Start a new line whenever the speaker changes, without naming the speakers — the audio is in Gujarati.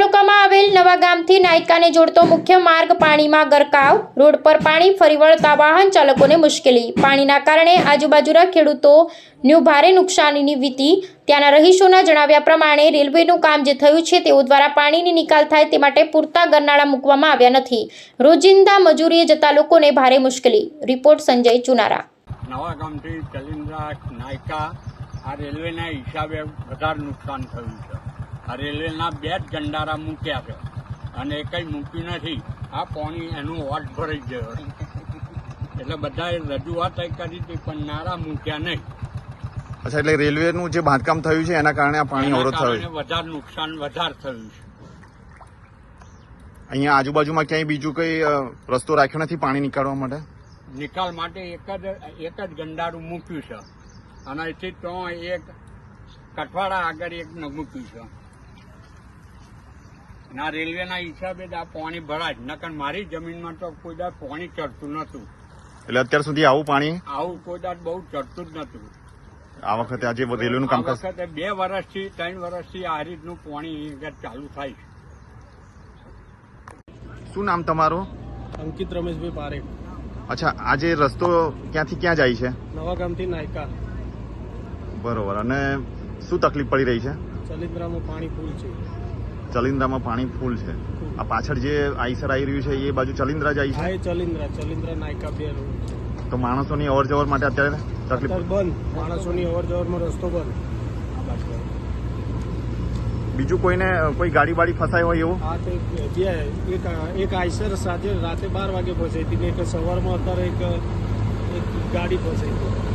તાલુકામાં આવેલ નવા ગામથી નાયકાને જોડતો મુખ્ય માર્ગ પાણીમાં ગરકાવ। રોડ પર પાણી ફરી વળતા વાહન ચાલકોને મુશ્કેલી। પાણીના કારણે આજુબાજુના ખેડૂતોને ભારે નુકસાનીની વીતી। ત્યાંના રહીશોના જણાવ્યા પ્રમાણે રેલવેનું કામ જે થયું છે તેઓ દ્વારા પાણીની નિકાલ થાય તે માટે પૂરતા ગરનાળા મૂકવામાં આવ્યા નથી। રોજિંદા મજૂરીએ જતા લોકોને ભારે મુશ્કેલી। રિપોર્ટ સંજય ચુનારા।
નવા ગામથી ચલિન્દ્રા નાયકા આ રેલવેના હિસાબે વધારે નુકસાન થયું છે। આ રેલવેના 2 જ ગંડારા મૂક્યા છે અને કંઈ મૂક્યું નથી। આ પાણી એનું વોટ ભરાઈ ગયો એટલે બધાએ રજૂઆત કરી હતી પણ નારા મૂક્યા નહીં।
અચ્છા, એટલે રેલવેનું જે બાંધકામ થયું છે એના કારણે આ પાણી અવરોધ થયું છે,
વધારે નુકસાન વધારે થયું છે।
અહીંયા આજુબાજુમાં ક્યાંય બીજું કઈ રસ્તો રાખ્યો નથી પાણી નીકાળવા માટે?
નિકાલ માટે એક જ ગંડારું મૂક્યું છે અને એથી તો એક કઠવાડા આગળ એક મૂક્યું છે। ના રેલવેના હિસાબે જ આ પાણી ભરાય, નકર મારી જમીનમાં તો કોઈ દાડ પાણી ચડતું નતું।
એટલે અત્યાર સુધી આવું પાણી
કોઈ દાડ બહુ ચડતું જ નતું।
આ વખતે આજે રેલવેનું કામ
આ વખતે 2 વર્ષથી 3 વર્ષથી આ રીતનું પાણી ચાલુ થાય છે।
શું નામ તમારું?
અંકિત રમેશભાઈ પારેખ।
અચ્છા, આજે રસ્તો ક્યાંથી ક્યાં જાય છે?
નવા ગામથી નાયકા।
બરોબર, અને શું તકલીફ પડી રહી છે?
ચલિન્દ્રામાં પાણી ફૂલ છે।
ચલિન્દ્રામાં પાણી ફૂલ છે। આ પાછળ જે આઈસર આવી રહ્યું છે એ બાજુ ચલિન્દ્રા જાય છે?
ચલિન્દ્રા નાયકા 2 રોડ છે।
તો માણસોની અવર જવર માટે અત્યારે તકલીફ
બંધ, માણસોની અવર જવરમાં રસ્તો બંધ।
બીજું કોઈ ગાડી બાડી ફસાય હોય એવું?
હા, તો એક આઈસર સાથે રાતે 12 વાગે પહોંચાઈ હતી ને એક સવારમાં અત્યારે એક ગાડી પહોંચાઈ હતી।